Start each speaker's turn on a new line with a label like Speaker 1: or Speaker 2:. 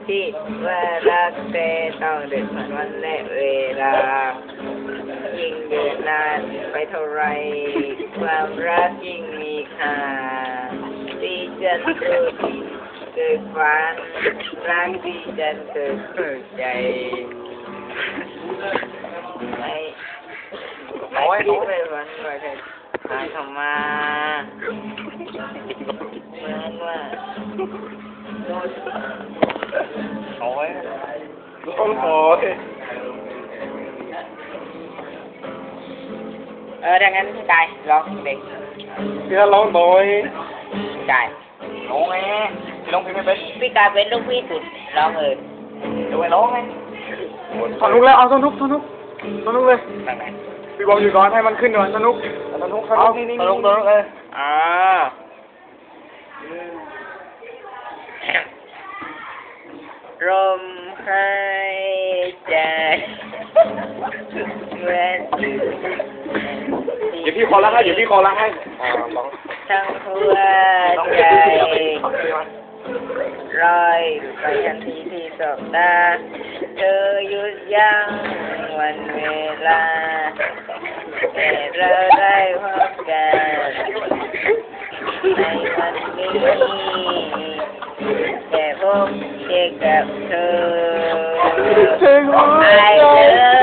Speaker 1: ที่ว่ารักแต่ต้องเดินผ่านวันและเวลายิ่งเดินนานไปเท่าไรความรักยิ่งมีค่าที่จะเกิดฝันรักที่จะเกิดใจไม่คิดไม่ฝันว่าจะหาเข้ามาเหมือนว่าโอ้ย
Speaker 2: ร้องโอย
Speaker 1: ดังนั้นพี่กายร้องเด็ก
Speaker 2: พี่ร้องโอย
Speaker 1: พี่กาย
Speaker 2: ร้องไงร้องเพลงไม่เป็น
Speaker 1: พี่กายเป็นลูกพี่สุดร้องเลย
Speaker 2: เดี๋ยวไปร้องไงสนุกแล้วเอาสนุกเลย
Speaker 1: ตั้งไหน
Speaker 2: พี่บอกอยู่ก่อนให้มันขึ้นก่อนสนุกเอาสนุกเลย
Speaker 1: ลมหายใจเหมือน
Speaker 2: เดี๋ยวพี่คอรักให้ร้อง
Speaker 1: ทั้งหัวใจลอยไปทันทีที่สบตาเธอหยุดยั้งวันเวลาแต่เราได้พบกันในวันนี้แค่พบเจอกับเธอ I love